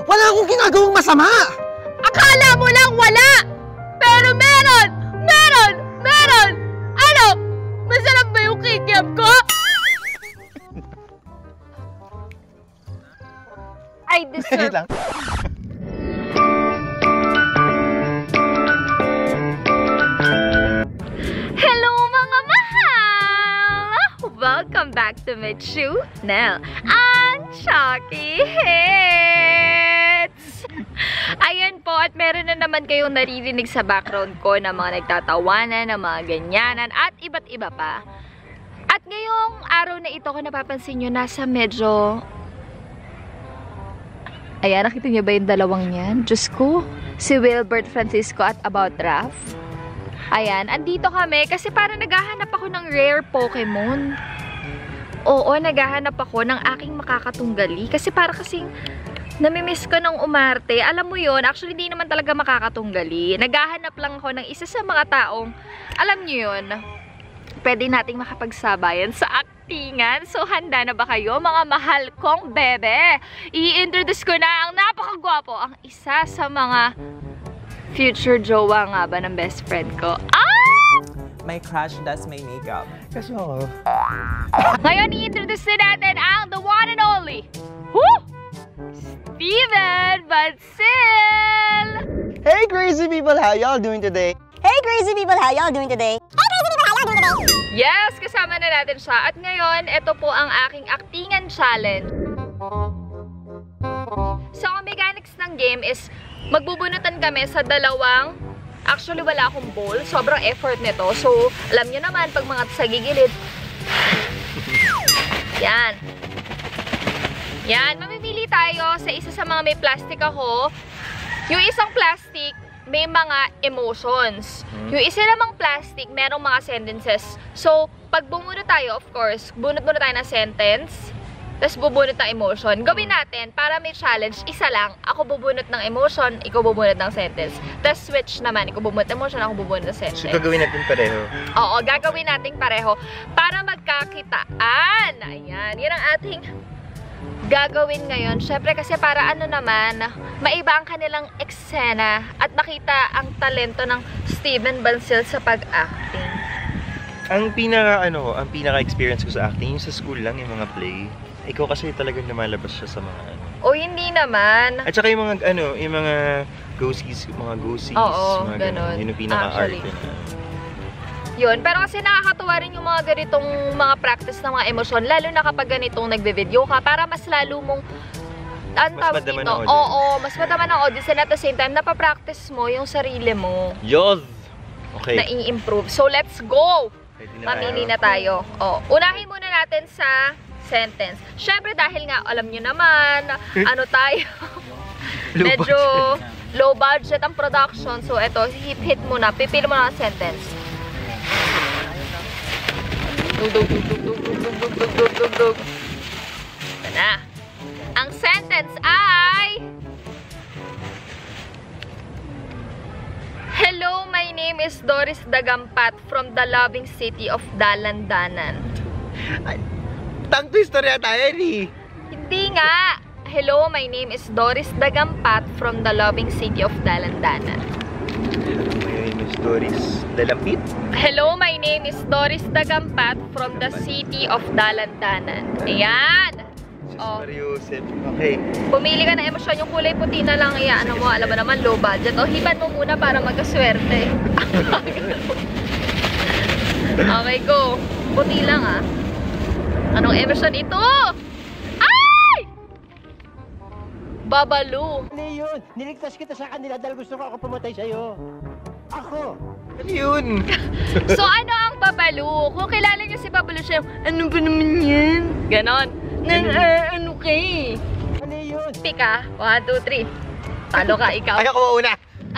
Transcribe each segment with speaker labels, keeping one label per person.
Speaker 1: Wala akong ginagawang masama!
Speaker 2: Akala mo lang wala! Pero meron! Meron! Meron! Ano? Masarap ba yung kikiam ko? I deserve...
Speaker 1: lang.
Speaker 2: Hello mga mahal! Welcome back to my channel, ang Chucky Hits! Ayan po, at meron na naman kayong naririnig sa background ko na mga nagtatawanan, na mga ganyanan, at iba't iba pa. At ngayong araw na ito, kung napapansin nyo, nasa medyo... Ayan, nakita niyo ba yung dalawang yan? Diyos ko, si Wilbert Francisco at About Raph. Ayan, andito kami kasi parang naghahanap ako ng rare Pokemon. Oo, naghahanap ako ng aking makakatunggali. Kasi para kasing namimiss ko ng umarte. Alam mo yon, actually di naman talaga makakatunggali. Naghahanap lang ako ng isa sa mga taong, alam niyo yon, pwede nating makapagsabayan sa aktingan. So, handa na ba kayo, mga mahal kong bebe? I-introduce ko na ang napakagwapo, ang isa sa mga future jowa nga ba ng best friend ko. Ah!
Speaker 3: My crush does my makeup.
Speaker 1: Kasi ako.
Speaker 2: Ngayon, i-introduce na natin ang the one and only, woo! Steven Bancil!
Speaker 1: Hey crazy people, how y'all doing today?
Speaker 4: Hey crazy people, how y'all doing today? Hey crazy people, how y'all doing today?
Speaker 2: Yes, kasama na natin siya. At ngayon, ito po ang aking aktingan challenge. So, ang mechanics ng game is magbubunutan kami sa dalawang, actually wala akong bowl, sobrang effort nito. So, alam nyo naman, pag mga sa gigilid, yan. Yan, mamimili tayo sa isa sa mga may plastic ako. Yung isang plastic, may mga emotions. Yung isa namang plastic, merong mga sentences. So, pag bumunot tayo, of course, bunot muna tayo ng sentence, tapos bubunot ng emotion. Gawin natin, para may challenge, isa lang. Ako bubunot ng emotion, ikaw bubunot ng sentence. Tapos switch naman, ikaw bubunot ng emotion, ako bubunot ng sentence.
Speaker 1: So, gagawin natin pareho?
Speaker 2: Oo, gagawin natin pareho. Para magkakitaan. Ayan, yan ang ating gagawin ngayon. Syempre kasi para ano naman, maiba ang kanilang eksena at makita ang talento ng Steven Bancil sa pag-acting.
Speaker 1: Ang pinaka-experience ko sa acting, yung sa school lang, yung mga play. Ikaw kasi talagang lumalabas siya sa mga ano.
Speaker 2: O hindi naman.
Speaker 1: At saka yung mga yung mga ghosties,
Speaker 2: Oo,
Speaker 1: mga
Speaker 2: ganun.
Speaker 1: Yun yung pinaka-art.
Speaker 2: Yun, pero kasi nakakatuwa rin yung mga ganitong mga practice ng mga emosyon, lalo na kapag ganitong nagbe-video ka, para mas lalo mong ang tawag dito. Oo, mas madama ng audience, and at the same time, napapractice mo yung sarili mo.
Speaker 1: Yoz! Okay.
Speaker 2: Na i-improve. So, let's go! Mamili na tayo. O, unahin muna natin sa sentence. Syempre, dahil nga, alam nyo naman, ano tayo, medyo low budget ang production. So, eto, hit muna. Pipili mo na ang sentence. Dug. Ito na. Ang sentence ay... Hello, my name is Doris Dagampat from the loving city of Dalandanan.
Speaker 1: Tang twister yata yan eh.
Speaker 2: Hindi nga. Hello, my name is Doris Dagampat from the loving city of Dalandanan.
Speaker 1: My name is Doris Dalampit.
Speaker 2: Hello, my name is Doris Dagampat from the city of Dalandanan. Ayan.
Speaker 1: Oh. Mariusip. Okay.
Speaker 2: Pumili ka ng emosyon. Yung kulay puti na lang. Ano mo, alam mo naman, low budget. O, hiban mo muna para magkaswerte. Okay, go. Puti lang ah. Anong emosyon ito? Ay! Babalu.
Speaker 5: Ano yun? Niligtas kita sa kanila dahil gusto ko ako pumatay sa'yo. Ako!
Speaker 1: Ano yun?
Speaker 2: So, ano ang babalu? Kung kilala niyo si Babalu, siya, ano ba naman yan? Ganon. Ano kay?
Speaker 5: Ano yun?
Speaker 2: Pika. 1, 2, 3. Talo ka, ikaw.
Speaker 1: Ay, ako mauna.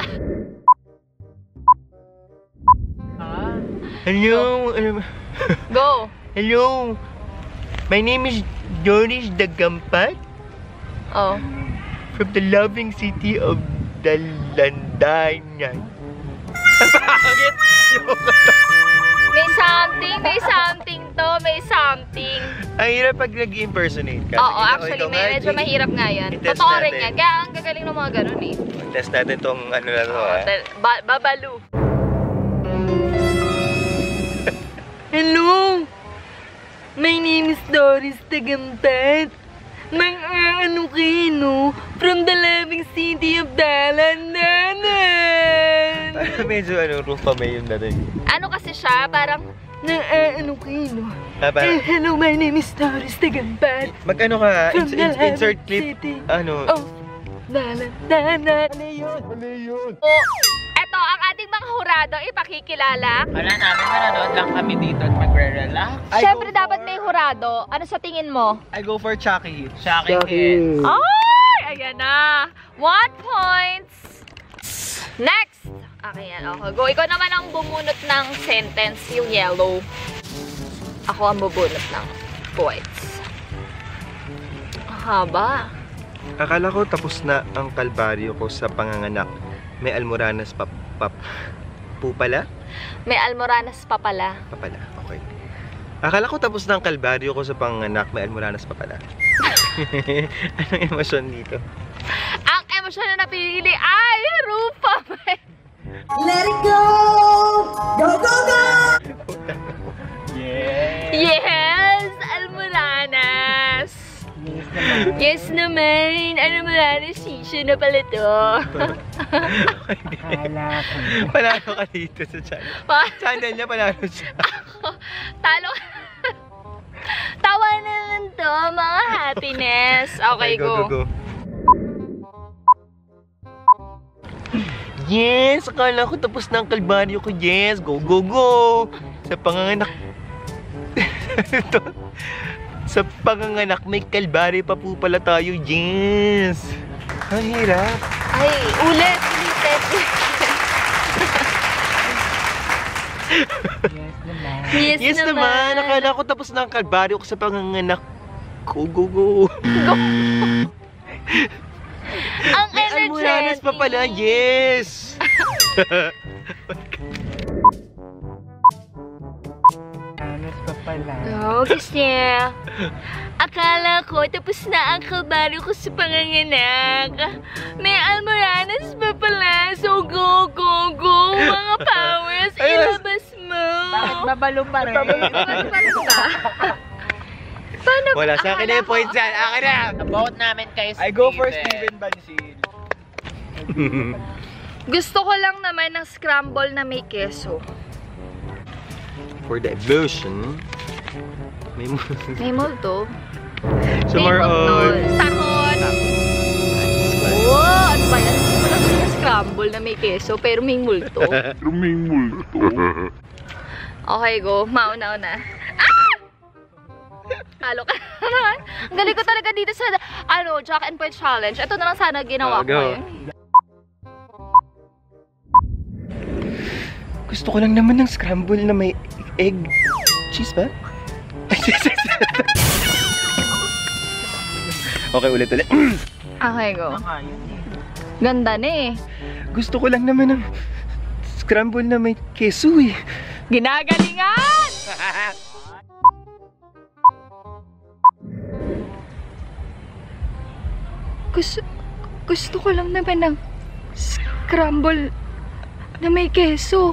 Speaker 1: Hello.
Speaker 2: Go.
Speaker 1: Hello. My name is Doris Dagampat.
Speaker 2: Oh.
Speaker 1: From the loving city of Dalandanan. Bakit?
Speaker 2: May something to, may something.
Speaker 1: Ang hirap pag nag-impersonate ka.
Speaker 2: Oo,
Speaker 1: Sige,
Speaker 2: actually,
Speaker 1: ikaw nga,
Speaker 2: medyo
Speaker 1: Jay.
Speaker 2: mahirap nga yan.
Speaker 1: I-test
Speaker 2: Totoo rin
Speaker 1: natin.
Speaker 2: yan. Kaya ang gagaling ng mga ganun eh.
Speaker 1: Test natin tong ano na to, ha?
Speaker 2: Babalu. Hello! My name is Doris Tagamtat. Mang-ano kayo, no? From the loving city of Dalandanan.
Speaker 1: Medyo Rufa May yung dating.
Speaker 2: Ano kasi siya, parang, ano kayo, no? Hello, my name is Doris Tagamtat.
Speaker 1: Mag-ano ka,
Speaker 2: From the
Speaker 1: insert
Speaker 2: loving
Speaker 1: clip.
Speaker 2: city
Speaker 1: Ano?
Speaker 2: of Dalandanan.
Speaker 5: Mali yun.
Speaker 2: Oh, eto, ang ating mga hurado, ipakikilala.
Speaker 3: Wala namin, manonood lang kami dito at magre-relax.
Speaker 2: Siyempre, dapat may hurado. Ano sa tingin mo?
Speaker 3: I go for Chucky. Chucky Hits.
Speaker 2: Ay! Ayan na! 1 point! Next! Okay, yan. Okay, go. Ikaw naman ang bumunot ng sentence, yung yellow. Ako ang bubunot ng points. Haba.
Speaker 1: Akala ko tapos na ang kalbaryo ko sa panganganak. May almoranas po pala?
Speaker 2: May almoranas pa pala.
Speaker 1: Papala, okay. Akala ko tapos na ang kalbaryo ko sa panganganak. May almoranas pa pala. Anong emosyon dito?
Speaker 2: Ang emosyon na napili ay Rufa May.
Speaker 4: Let it go! Go, go, go!
Speaker 2: Yes! Almoranas! Yes naman! Almoranas shisha na pala to.
Speaker 1: Panalo ka dito sa channel. Channel niya, panalo siya.
Speaker 2: Talo. Tawa na lang to, mga happiness. Okay, go.
Speaker 1: Yes! Akala ko tapos na ang kalbaryo ko. Yes! Go, go, go! Sa panganganak. Sa panganganak, may kalbaryo pa po pala tayo. Yes! Ang hirap.
Speaker 2: Ay, ulit.
Speaker 1: Yes naman! Akala ko tapos na ang kalbaryo ko sa panganganak. Go, go, go!
Speaker 2: Ang
Speaker 1: May almoranas pa pala. Yes!
Speaker 2: Go, kasi akala ko tapos na ang kalbaryo ko sa panganganak. May almoranas pa pala. So go, go, go. Mga powers, ilabas mo.
Speaker 3: Bakit babalo pa rin?
Speaker 2: Paano?
Speaker 1: Wala, sa akin na yung points yan. Akin na!
Speaker 3: Vote namin kay Steven.
Speaker 6: I go for Steven Bansil.
Speaker 2: Gusto ko lang naman ng scramble na may keso.
Speaker 1: For the evolution, may
Speaker 2: May multo.
Speaker 1: so more on.
Speaker 2: Sakot! Wow! Ano ba yan? Wala ko na scramble na may keso pero may multo. Okay, go. Mauna-una. Ah! Talo ka naman. Ang galing ko talaga dito sa Jack and Point Challenge. Ito na lang sana ginawa ko
Speaker 1: Go.
Speaker 2: ngayon.
Speaker 1: Gusto ko lang naman ng scramble na may egg. Cheese ba? Okay, ulit.
Speaker 2: Okay, go. Ganda na eh.
Speaker 1: Gusto ko lang naman ng scramble na may keso eh.
Speaker 2: Ginagalingan! Gusto ko lang naman ng scramble na may keso.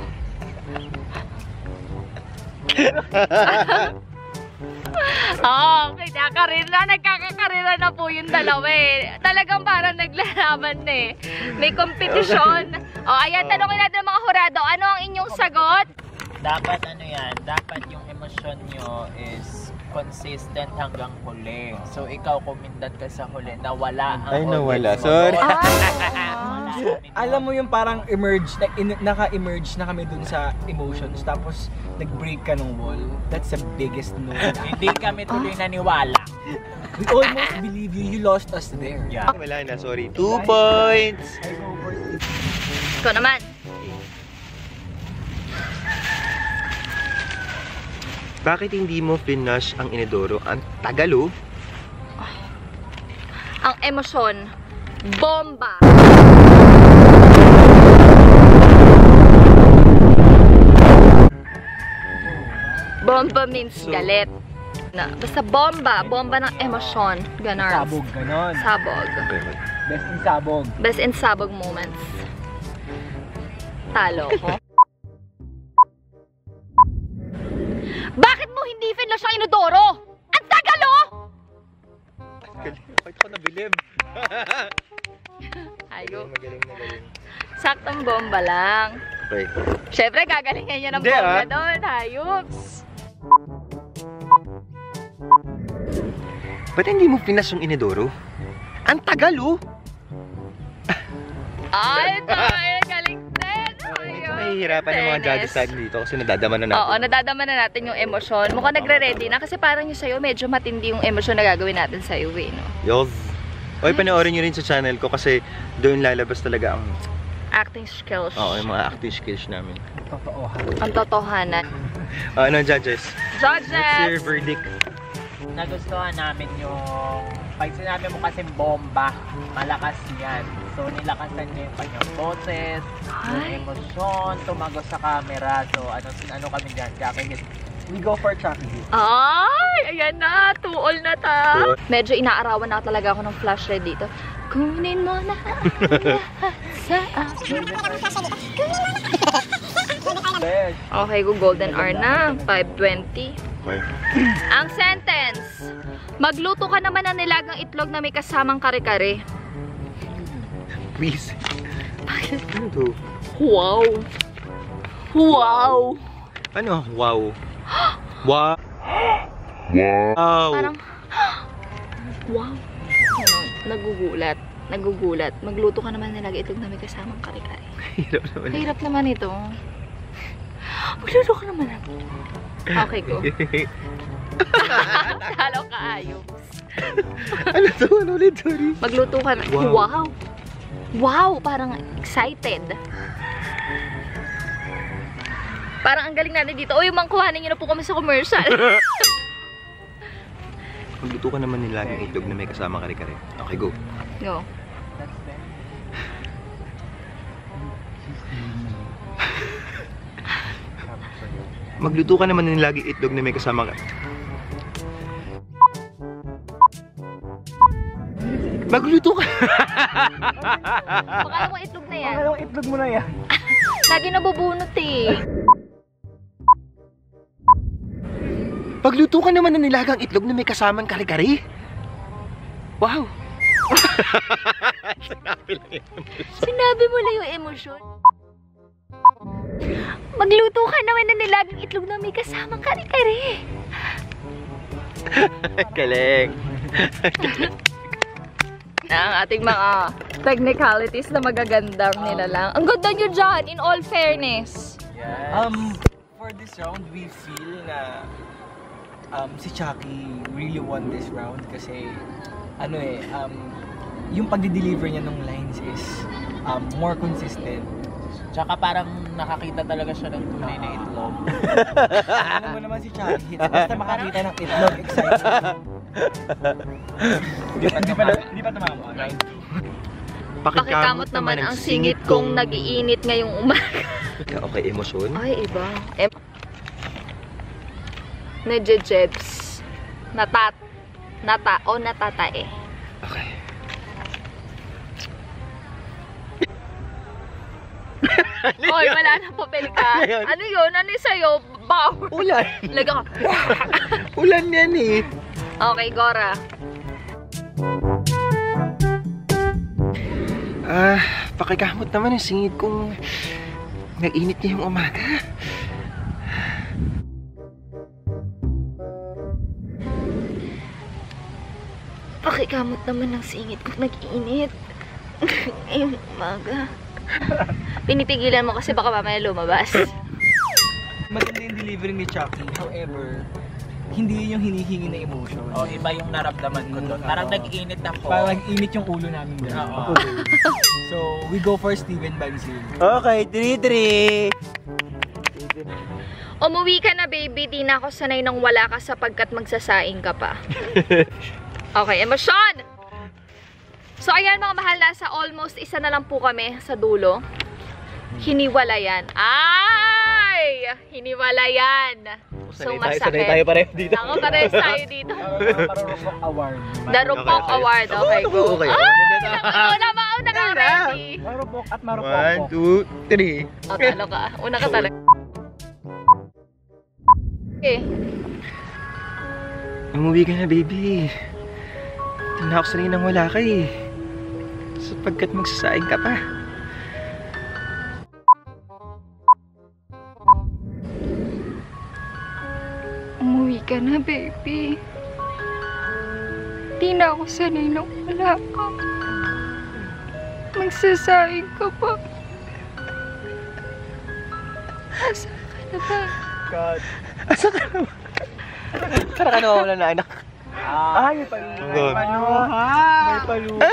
Speaker 2: Nagkakakarera na po yung dalawa eh. Talagang parang naglalaban na eh. May kompetisyon. Ayan, tanongin natin ang mga hurado. Ano ang inyong sagot?
Speaker 3: Dapat dapat yung emosyon nyo is consistent hanggang huli. So, ikaw kumindat ka sa huli, nawala ang
Speaker 1: Ay, nawala.
Speaker 3: audience mo.
Speaker 1: Sorry.
Speaker 6: Alam mo yung parang naka-emerge na kami dun sa emotions, tapos nag-break ka ng wall. That's the biggest no.
Speaker 3: Hindi kami tuloy naniwala.
Speaker 6: We almost believe you. You lost us there.
Speaker 3: Yeah.
Speaker 1: Wala na, sorry. 2 points!
Speaker 2: Ikaw naman.
Speaker 1: Bakit hindi mo finish ang inidoro? Ang tagalo?
Speaker 2: Ang emosyon, bomba. Bomba means galit. Na, basta bomba. Bomba ng emosyon. Ganon.
Speaker 6: Sabog, ganon.
Speaker 2: Sabog.
Speaker 6: Best in sabog.
Speaker 2: Best in sabog moments. Talo ko. Bakit mo hindi finlash ang inodoro? Ang tagal oh!
Speaker 1: Bakit ko nabilib?
Speaker 2: Ayo.
Speaker 1: Magaling.
Speaker 2: Saktong bomba lang.
Speaker 1: Okay.
Speaker 2: Siyempre, gagalingan niya ng
Speaker 1: Hindi,
Speaker 2: bomba
Speaker 1: ah.
Speaker 2: doon. Hayups.
Speaker 1: Ba't hindi mo pinas yung inidoro? Ang tagal oh!
Speaker 2: Ay, galing din. Ayun.
Speaker 1: Nahihirapan yung mga judges
Speaker 2: Fairness.
Speaker 1: natin dito kasi nadadama na natin.
Speaker 2: Oo, nadadama na natin yung emosyon. Mukhang nagre-ready na kasi parang yung sa'yo medyo matindi yung emosyon na gagawin natin sa'yo eh, no?
Speaker 1: Yos. Oy, panoorin nyo rin sa channel ko kasi doon lalabas talaga ang
Speaker 2: Acting skills.
Speaker 1: yung mga acting skills namin.
Speaker 6: Totoo.
Speaker 2: Ang totohanan.
Speaker 1: Ano, judges? What's your
Speaker 2: Judges!
Speaker 1: verdict?
Speaker 3: Nagustuhan namin yung... Pag sinabi mo kasi bomba, malakas yan. So, nilakasan niya yung kanyang boses, yung
Speaker 2: Ay.
Speaker 3: emosyon, tumago sa camera. So, ano kami dyan? Jackie,
Speaker 6: We go for Chucky.
Speaker 2: Ay! Ayan na! Tuol na ta!
Speaker 1: Tuol.
Speaker 2: Medyo inaarawan na talaga ako ng flash red dito. Kunin mo na ang lahat sa akin.
Speaker 6: Best.
Speaker 2: Okay, go golden hour na. 5:20.
Speaker 1: Okay.
Speaker 2: Ang sentence. Magluto ka naman ng nilagang itlog na may kasamang kare-kare.
Speaker 1: Please. Ano to?
Speaker 2: Wow! Wow!
Speaker 1: Ano? Wow. Wow. Wow.
Speaker 2: Parang, wow. Nagugulat. Magluto ka naman ng nilagang itlog na may kasamang kare-kare.
Speaker 1: Hirap naman.
Speaker 2: Hirap naman ito. Magluto ka naman ng... Okay, go. Talo ka, ayos.
Speaker 1: Ano to? Ano ulit? Sorry.
Speaker 2: Magluto ka na.
Speaker 1: Wow.
Speaker 2: Wow! Wow! Parang excited. Parang ang galing natin dito. Uy, mangkuhanin nyo na po kami sa commercial.
Speaker 1: Magluto ka naman nila yung itlog na may kasama kare-kare. Okay, go.
Speaker 2: Go.
Speaker 1: Magluto ka naman ng lagi itlog na may kasama ka. Magluto ka.
Speaker 2: Baka mo itlog na yan.
Speaker 6: Anong itlog mo na yan?
Speaker 2: Lagi nabubunot eh.
Speaker 1: Magluto ka naman ng nilagang itlog na may kasamang kare-kare. Wow. Sinabi lang yun.
Speaker 2: Sinabi mo lang yung emosyon. Magluto ka naman ng nilagang itlog na may kasamang kare-kare.
Speaker 1: Galing.
Speaker 2: Ang ating mga technicalities na magagandang nila lang. Ang ganda nyo dyan, in all fairness.
Speaker 3: Yes.
Speaker 6: For this round, we feel na si Chucky really won this round kasi yung pagdi-deliver niya ng lines is more consistent.
Speaker 3: Tsaka parang nakakita talaga siya ng tunay na itlog.
Speaker 6: Ano mo naman si Chucky? Basta makakita ng itlog, excited. Hindi pa tumama, right?
Speaker 2: Pakikamot naman ang singit kong nag-iinit ngayong umaga.
Speaker 1: Okay, emosyon.
Speaker 2: Ay, iba. Nejejebs. Natatae.
Speaker 1: Okay.
Speaker 2: Hoy, wala na papel ka. Ano yun? Ano yung sa'yo? Bawr.
Speaker 1: Ulan.
Speaker 2: Laga ka.
Speaker 1: Ulan yan eh.
Speaker 2: Okay, Gora.
Speaker 1: Pakikamot naman ang singit kong nag-init niya yung umaga.
Speaker 2: Pakikamot naman ng singit kung nag-iinit. Ngayong umaga. Pinipigilan mo kasi baka mamaya lumabas.
Speaker 6: Maganda yung delivery ni Chucky. However, hindi yun yung hinihingi na emotion.
Speaker 3: O, iba yung naramdaman ko doon. Parang nag-iinit ako.
Speaker 6: Parang nag-init yung ulo namin doon.
Speaker 3: Oo.
Speaker 6: So, we go for Steven Bansil.
Speaker 1: Okay, 3-3.
Speaker 2: Umuwi ka na, baby. Di na ako sanay nang wala ka sapagkat magsasaing ka pa. Okay, emosyon! So, ayan mga mahal, nasa almost isa na lang po kami sa dulo. Hiniwalayan. Ay! Hiniwalayan. So,
Speaker 1: sanay
Speaker 2: masakit.
Speaker 1: tayo pareho dito.
Speaker 2: Ako, parehas tayo dito.
Speaker 6: Marurupok award.
Speaker 2: The Rupok
Speaker 1: Okay.
Speaker 2: Award. Okay, go.
Speaker 1: Okay.
Speaker 2: Una ka ready.
Speaker 6: Marupok at marupok.
Speaker 1: 1, 2, 3.
Speaker 2: O, talo ka. Una ka talaga. Okay.
Speaker 1: Umuwi ka na, baby. Hindi na ako sanay nang wala ka eh. Sapagkat magsasaing ka pa.
Speaker 2: Umuwi ka na, baby. Di na ako sanay nang wala ka. Magsasaing ka pa. Asa ka na ba?
Speaker 6: God.
Speaker 1: Asa ka na ba? Tara ka na wala na anak.
Speaker 6: Ay, may paluha.
Speaker 1: May
Speaker 6: paluha. May paluha.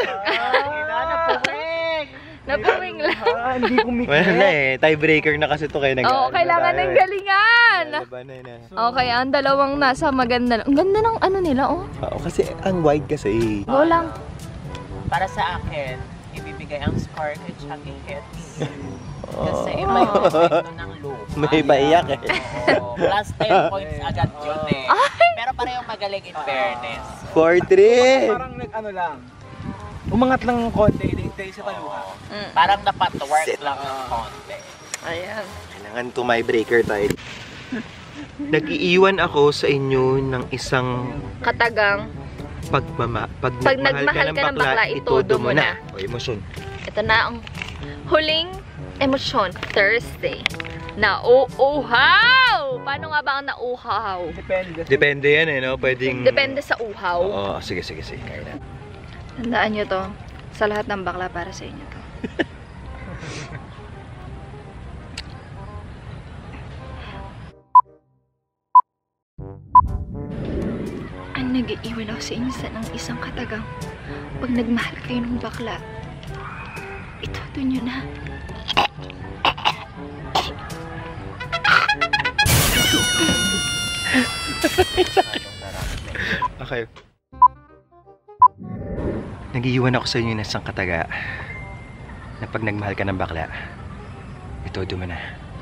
Speaker 2: Napuwing lang.
Speaker 6: Hindi kumikit.
Speaker 1: Wala na eh. Tiebreaker na kasi to kayo nag-
Speaker 2: Oo, kailangan ng galingan.
Speaker 1: Labanan na.
Speaker 2: Okay, ang dalawang nasa maganda lang. Ang ganda ng ano nila, oh.
Speaker 1: Oo, kasi ang wide kasi.
Speaker 2: Go lang.
Speaker 3: Para sa akin, ibibigay ang score kay Chucky Hits.
Speaker 1: Oh.
Speaker 3: Kasi iba yung epekto ng loop.
Speaker 1: May maiyak eh.
Speaker 3: Oo. Plus 10 points agad yun eh. Pero parehong magaling in fairness.
Speaker 1: 4-3.
Speaker 6: Parang nag-ano lang. Umangat lang ng konti dahil sa paluha.
Speaker 3: Parang napatwork lang ng konti.
Speaker 2: Ayan.
Speaker 1: Kailangan to my breaker tayo. Nag-iiwan ako sa inyo ng isang
Speaker 2: Katagang.
Speaker 1: pag
Speaker 2: nagmahal ka ng bakla, itodo mo na.
Speaker 1: O, emosyon.
Speaker 2: Ito na ang huling emosyon. Thursday. Nauuhaw! Paano nga ba ang nauuhaw?
Speaker 1: Depende yan eh, no? Pwedeng...
Speaker 2: Depende sa uhaw.
Speaker 1: Oo, sige. Kaya na.
Speaker 2: Tandaan nyo to. Sa lahat ng bakla para sa inyo to. Ang nag-iiwan ako sa inyo ng isang katagang. Pag nagmahal kayo ng bakla, itodo nyo na.
Speaker 1: Okay. Nag-iiwan ako sa inyo ng isang kataga na pag nagmahal ka ng bakla, itodo mo na.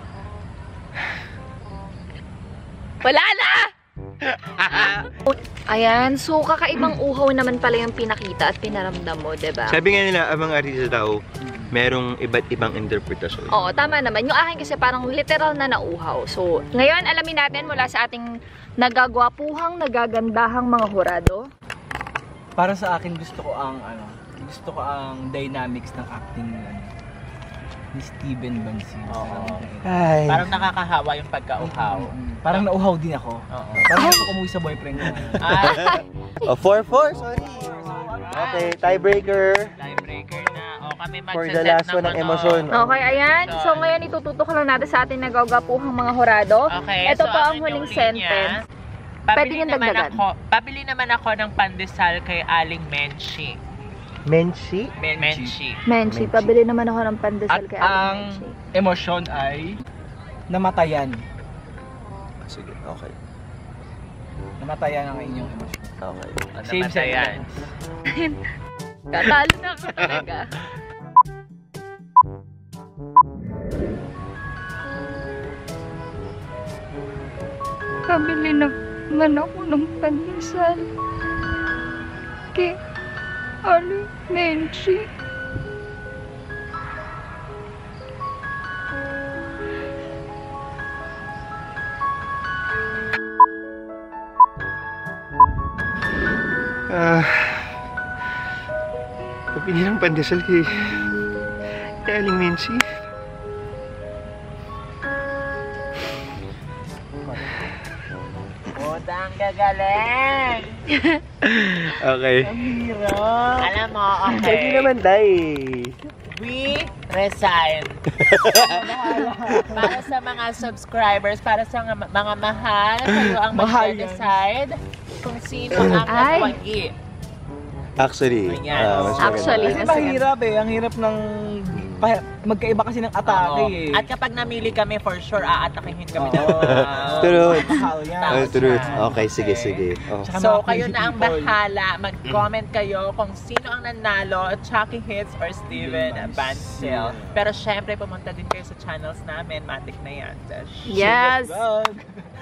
Speaker 2: Wala na! Ayan, so kakaibang uhaw naman pala yung pinakita at pinaramdam mo, diba?
Speaker 1: Sabi nga nila, ang mga artista daw, merong iba't ibang interpretasyon.
Speaker 2: Oo, tama naman. Yung akin kasi parang literal na nauhaw. So, ngayon alamin natin mula sa ating nagagwapuhang, nagagandahang mga hurado.
Speaker 6: Para sa akin gusto ko ang dynamics ng acting ni Steven Bansin.
Speaker 1: Ay.
Speaker 3: Parang nakakahawa yung pagka-uhaw.
Speaker 6: Parang nauhaw din ako.
Speaker 3: Oo.
Speaker 6: Parang gusto ko umuwi sa boyfriend ko.
Speaker 3: Ay,
Speaker 1: Oh, 4-4, sorry. Okay, tiebreaker.
Speaker 3: tiebreaker na. O kami
Speaker 1: For
Speaker 3: magsaset
Speaker 1: the last one ng
Speaker 3: ano.
Speaker 1: emosyon.
Speaker 2: Okay, ayan. So, ngayon itututok lang natin sa ating nagagwapuhang mga hurado.
Speaker 3: Okay,
Speaker 2: Ito
Speaker 3: so
Speaker 2: po ang
Speaker 3: inyong
Speaker 2: huling
Speaker 3: linya,
Speaker 2: sentence. Pwede
Speaker 3: Pabili
Speaker 2: niyong
Speaker 3: naman
Speaker 2: dagdagan.
Speaker 3: pabili naman ako ng pandesal kay Aling Menchi.
Speaker 1: Menchi?
Speaker 3: Menchi.
Speaker 2: Menchi, pabili naman ako ng pandesal
Speaker 6: At
Speaker 2: kay
Speaker 6: ang
Speaker 2: Aling Menchi.
Speaker 6: emosyon ay namatayan.
Speaker 1: Sige, okay.
Speaker 6: Namatayan ang inyong emosyon.
Speaker 1: Okay.
Speaker 6: Same
Speaker 3: Namatayan.
Speaker 2: Katalo na ako talaga. Pabili naman ako ng pandesal kay Aling Menchi.
Speaker 1: Pabili ng pandesal kay Aling Menchi.
Speaker 3: Budang gagaling!
Speaker 1: Okay.
Speaker 3: Alam mo,
Speaker 1: Pwede
Speaker 3: okay.
Speaker 1: naman, Day.
Speaker 3: We resign. Para sa mga subscribers, para sa mga mahal, kayo ang
Speaker 6: Mahal
Speaker 3: mag-decide kung sino ang
Speaker 2: Ay.
Speaker 3: nagwagi.
Speaker 1: Actually,
Speaker 3: Ayan.
Speaker 1: mas maganda.
Speaker 2: Actually,
Speaker 6: Kasi mahirap eh. Ang hirap ng magkaiba kasi ng atake
Speaker 3: Oo.
Speaker 6: eh.
Speaker 3: At kapag namili kami, for sure, aatakihin kami ng
Speaker 1: True.
Speaker 6: Mahal yan.
Speaker 1: Oh, true. Okay, sige, sige. Oh.
Speaker 6: Tsaka
Speaker 3: So,
Speaker 6: mga
Speaker 3: kayo
Speaker 6: crazy
Speaker 3: na ang
Speaker 6: people.
Speaker 3: bahala. Mag-comment kayo kung sino ang nanalo, Chucky Hits or Steven Bancel. Pero syempre, pumunta din kayo sa channels namin. Matik na yan.
Speaker 2: Yes!
Speaker 6: Vlog.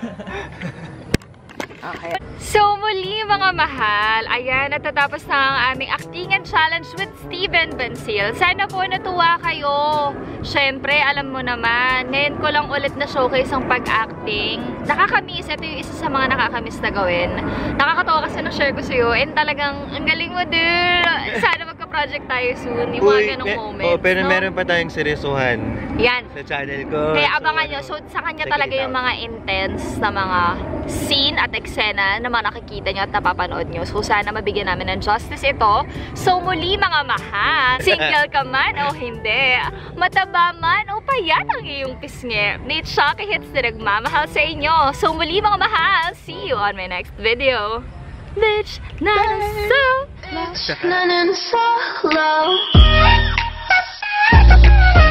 Speaker 2: Okay. So, muli mga mahal, ayan, natatapos na ang aming actingan challenge with Steven Bancel. Sana po natuwa kayo. Siyempre, alam mo naman, ngayon ko lang ulit na showcase ang pag-acting. Nakakamiss. Ito yung isa sa mga nakakamiss na gawin. Nakakatawa kasi nung share ko sa'yo. And talagang, ang galing mo, dude. Sana magka-project tayo soon. Yung mga ganong moments.
Speaker 1: Oh, pero
Speaker 2: no?
Speaker 1: meron pa tayong seryosohan
Speaker 2: Yan.
Speaker 1: sa channel ko.
Speaker 2: Kaya
Speaker 1: So,
Speaker 2: abangan nyo. So, sa kanya
Speaker 1: check
Speaker 2: talaga
Speaker 1: it
Speaker 2: yung
Speaker 1: out.
Speaker 2: mga intense na mga scene at eksena na mga nakikita nyo at napapanood nyo. So, sana mabigyan namin ng justice ito. So, muli mga mahal, single ka man o hindi, mataba man o payat ang iyong pisngi, ni Chucky Hits na nagmamahal sa inyo. So, muli mga mahal, see you on my next video. Bitch, nanan solo.
Speaker 7: Bitch, nanan solo.